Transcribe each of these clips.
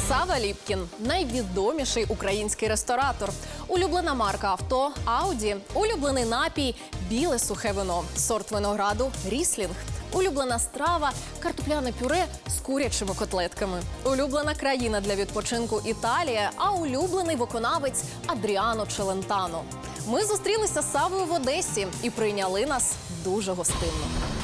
Сава Ліпкін – найвідоміший український ресторатор. Улюблена марка авто – Ауді. Улюблений напій – біле сухе вино. Сорт винограду – Ріслінг. Улюблена страва – картопляне пюре з курячими котлетками. Улюблена країна для відпочинку – Італія, а улюблений виконавець – Адріано Челентано. Ми зустрілися з Савою в Одесі і прийняли нас дуже гостинно.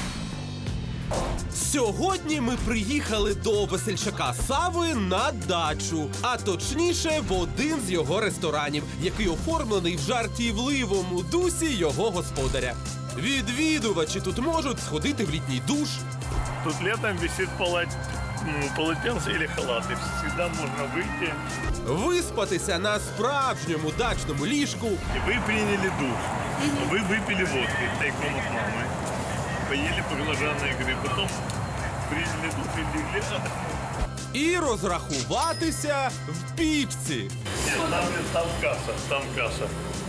Сьогодні ми приїхали до весельчака Сави на дачу, а точніше в один з його ресторанів, який оформлений в жартівливому дусі його господаря. Відвідувачі тут можуть сходити в літній душ. Тут летом висит полотенце или халат, и всегда можно выйти. Виспатися на справжньому дачному ліжку. И вы приняли душ, вы выпили водки тайком от мамы, поели баклажанные икры, потом приняли душ и легли отдохнуть. І розрахуватися в пічці. Нет, там касса.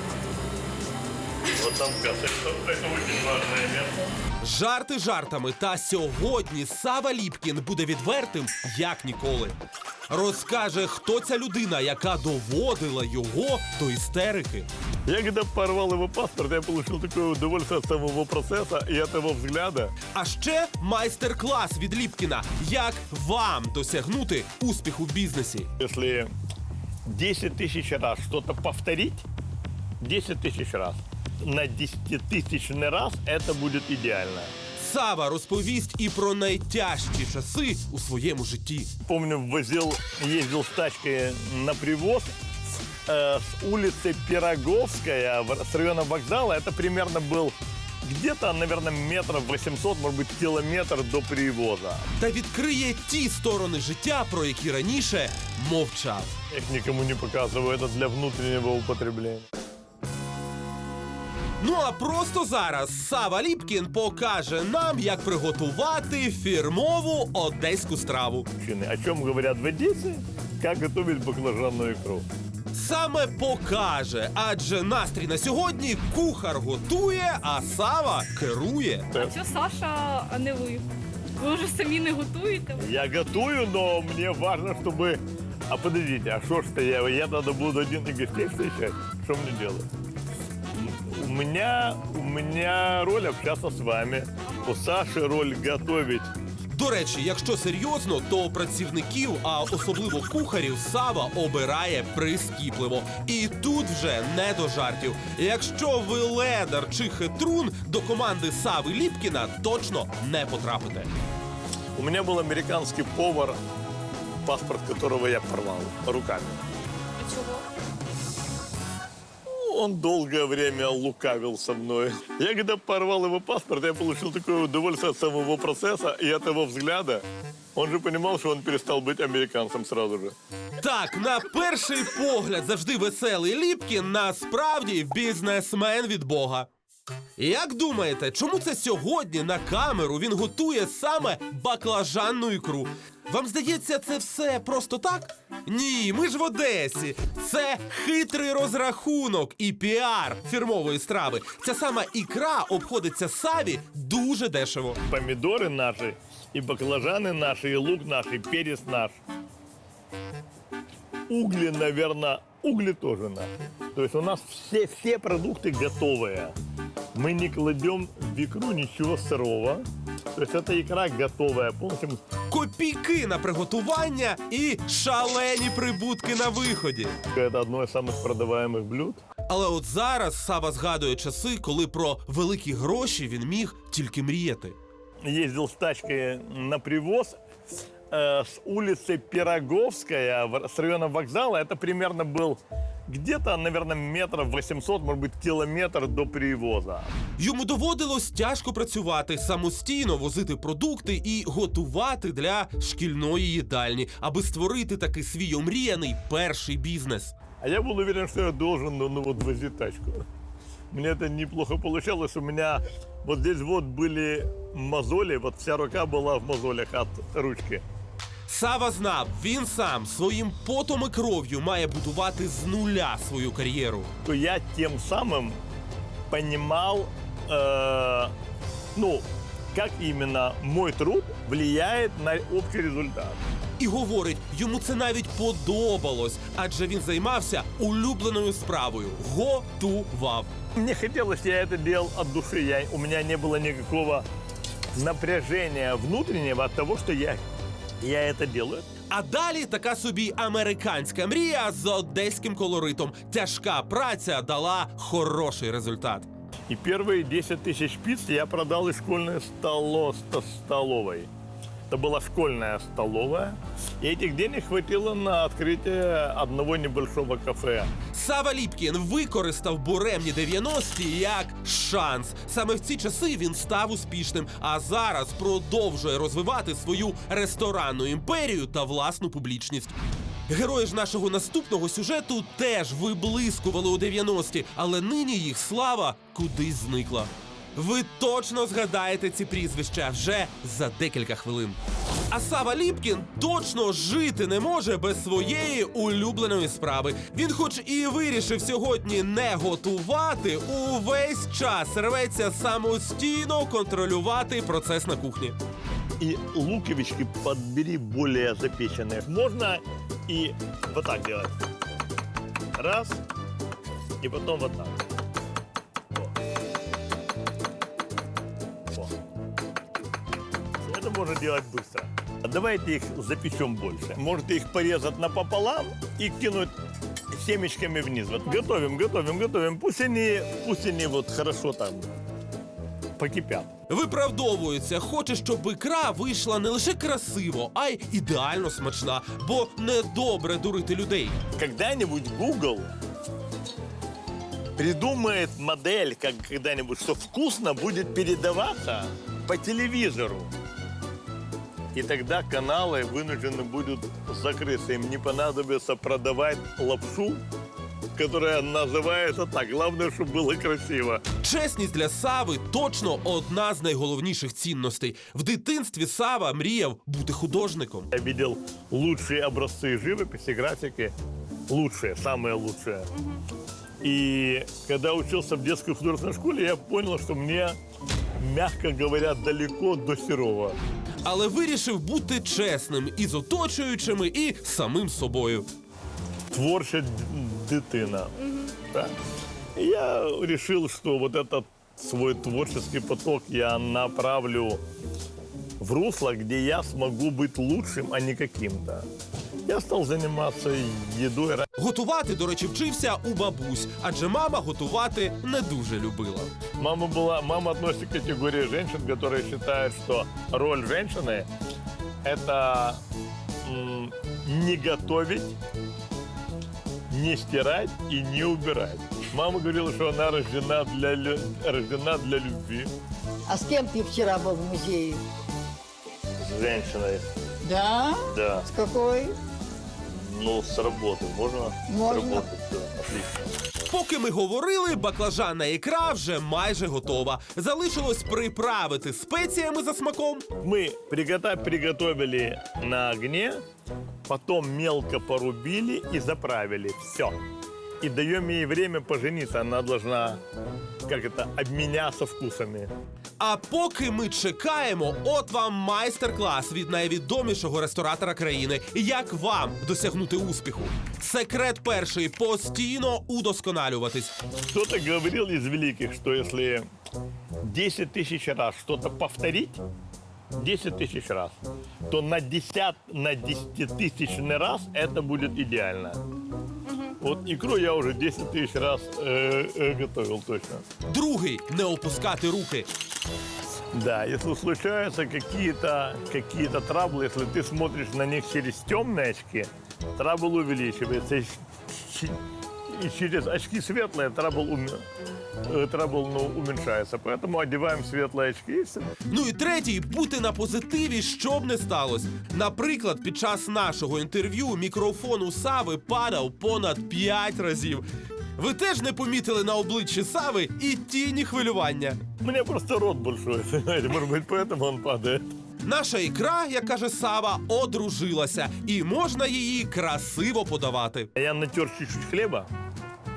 Вот там касса. Это очень важное место. Жарти жартами, та сьогодні Сава Ліпкін буде відвертим, як ніколи. Розкаже, хто ця людина, яка доводила його до істерики. Я когда порвал его паспорт, я получил такое удовольствие от самого процесса и от его взгляда. А ще майстер-клас від Ліпкіна, як вам досягнути успіху в бізнесі. Если 10 тысяч раз что-то повторить, 10 тысяч раз, на 10-тысячный раз это будет идеально. Сава розповість і про найтяжчі часи у своєму житті. Помню, ездил с тачкой на привоз с улицы Пироговская, с района вокзала. Это примерно был где-то, наверное, метров 800, может быть, километр до привоза. Та відкриє ті сторони життя, про які раніше мовчав. Я их никому не показываю, это для внутреннего употребления. Ну а просто зараз Сава Ліпкін покаже нам, як приготувати фірмову одеську страву. О чем говорят в Одессе? Как готовить баклажанную икру. Саме покаже, адже настрій на сьогодні кухар готує, а Сава керує. Що Саша, а не ви? Ви вже самі не готуєте? Я готую, но мне важно, чтобы... А подождите, а что ж это я тогда буду один и гостей встречать? Что мне делать? У меня роль общаться с вами. У Саши роль готовить. До речі, якщо серйозно, то працівників, а особливо кухарів, Сава обирає прискіпливо. І тут вже не до жартів. Якщо ви ледар чи хитрун, до команди Сави Ліпкіна точно не потрапите. У меня был американский повар, паспорт которого я порвал руками. А чого? Он долгое время лукавил со мной. Я когда порвал его паспорт, я получил такое удовольствие от самого процесса и от его взгляда. Он же понимал, что он перестал быть американцем сразу же. Так, на перший погляд завжди веселий Ліпкін, насправді бізнесмен від Бога. Як думаєте, чому це сьогодні на камеру він готує саме баклажанну ікру? Вам здається, це все просто так? Ні, ми ж в Одесі. Це хитрий розрахунок і піар фірмової страви. Ця сама ікра обходиться Саві дуже дешево. Помидоры наши, и баклажаны наши, и лук наш, и перец наш. Угли, наверное, угли тоже наши. То есть у нас все продукты готовые. Мы не кладем в икру ничего сырого. То есть эта икра готовая полностью. Копійки на приготування і шалені прибутки на виході. Это одно из самых продаваемых блюд. Але от зараз Сава згадує часи, коли про великі гроші він міг тільки мріяти. Ездил с тачкой на привоз с улицы Пироговская, с района вокзала. Это примерно был где-то, наверное, метров 800, может быть, километр до привоза. Йому доводилось тяжко працювати, самостійно возити продукти і готувати для шкільної їдальні, аби створити такий свій омріяний перший бізнес. А я был уверен, что я должен, вот возить тачку. Мне это неплохо получалось. У меня вот здесь вот были мозоли, вот вся рука была в мозолях от ручки. Сава знав, він сам своїм потом і кров'ю має будувати з нуля свою кар'єру. То я тем самым понимал, как именно мой труд влияет на общий результат. І говорить, йому це навіть подобалось, адже він займався улюбленою справою – готував. Мне хотелось, я это делал от души. У меня не было никакого напряжения внутреннего от того, что я это делаю. А далі така собі американська мрія з одеським колоритом. Тяжка праця дала хороший результат. И первые 10 тысяч пиц я продал из школьной столовой. Это была школьная столовая. И этих денег хватило на открытие одного небольшого кафе. Сава Ліпкін використав буремні 90-ті як шанс. Саме в ці часи він став успішним, а зараз продовжує розвивати свою ресторанну імперію та власну публічність. Герої ж нашого наступного сюжету теж виблискували у 90-ті, але нині їх слава кудись зникла. Ви точно згадаєте ці прізвища вже за декілька хвилин. А Сава Ліпкін точно жити не може без своєї улюбленої справи. Він хоч і вирішив сьогодні не готувати, увесь час рветься самостійно контролювати процес на кухні. И луковички подбери более запеченные. Можно и вот так делать. Раз. И потом вот так. О. Это можно делать быстро. Давайте их запечем больше. Можете их порезать напополам и кинуть семечками вниз. Вот готовим. Пусть они вот хорошо там покипят. Виправдовується, хоче, щоб ікра вийшла не лише красиво, а й ідеально смачна, бо недобре дурити людей. Когда-нибудь Google придумает модель, как когда-нибудь, что вкусно будет передаваться по телевизору. И тогда каналы вынуждены будут закрыться. Им не понадобится продавать лапшу, которая называется так. Главное, чтобы было красиво. Чесність для Сави точно одна з найголовніших цінностей. В дитинстві Сава мріяв бути художником. Я видел лучшие образцы живописи, графики. Лучшие, самые лучшие. И когда учился в детской художественной школе, я понял, что мне, мягко говоря, далеко до Серова. Але вирішив бути чесним і з оточуючими, і самим собою. Творча дитина. Да. И я решил, что вот этот свой творческий поток я направлю в русло, где я смогу быть лучшим, а не каким-то. Я стал заниматься едой. Готувати, до речі, вчився у бабусь, адже мама готувати не дуже любила. Мама относится к категории женщин, которые считают, что роль женщины – это не готовить, не стирать и не убирать. Мама говорила, что она рождена для любви. А с кем ты вчера был в музее? С женщиной. Да? Да. С какой? Ну, с работы. Можно? Можно. С работы, все. Отлично. Поки ми говорили, баклажанна ікра вже майже готова. Залишилось приправити спеціями за смаком. Мы приготовили на огне, потом мелко порубили и заправили. Все. И даем ей время пожениться. Она должна, обменяться вкусами. А поки ми чекаємо, от вам майстер-клас від найвідомішого ресторатора країни. Як вам досягнути успіху? Секрет перший – постійно удосконалюватись. Кто-то говорил из великих, что если 10 тысяч раз что-то повторить, 10 тысяч раз, то на 10 тысячный раз это будет идеально. Вот икру я уже 10 тысяч раз готовил точно. Другий – не опускати руки. Да, если случаются какие-то траблы, если ты смотришь на них через темные очки, трабл увеличивается. И через очки светлые трабл уменьшается. Поэтому одеваем светлые очки и все. Ну і третій – бути на позитиві, щоб не сталося. Наприклад, під час нашого інтерв'ю мікрофон у Сави падав понад 5 разів. Ви теж не помітили на обличчі Сави і тіні хвилювання? У меня просто рот большой, понимаете, может быть, поэтому он падает. Наша ікра, як каже Сава, одружилася, і можна її красиво подавати. Я натер чуть-чуть хлеба,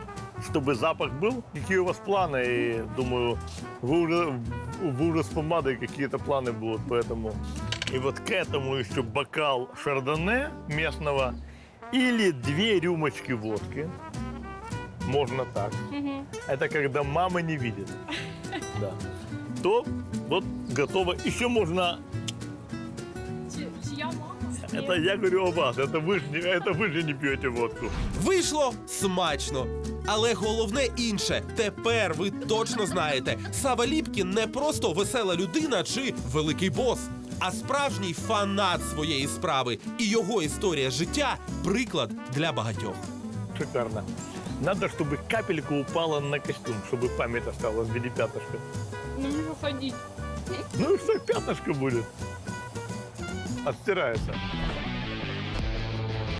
чтобы запах был. Какие у вас планы? И думаю, вы уже с помадой какие-то планы будут, поэтому... И вот к этому еще бокал шардоне местного или 2 рюмочки водки. Можно так. Это когда мама не видит. Да. То вот готово. Еще можно... Чья мама? Это я говорю о вас. Это вы же не пьете водку. Вийшло смачно. Але головне інше. Тепер ви точно знаєте, Сава Ліпкін не просто весела людина чи великий бос, а справжній фанат своєї справи. І його історія життя – приклад для багатьох. Шикарно. Надо, чтобы капелька упала на костюм, чтобы память осталась в виде пятнышка. Ну не выходить. Ну и что, пятнышко будет. Отстирается.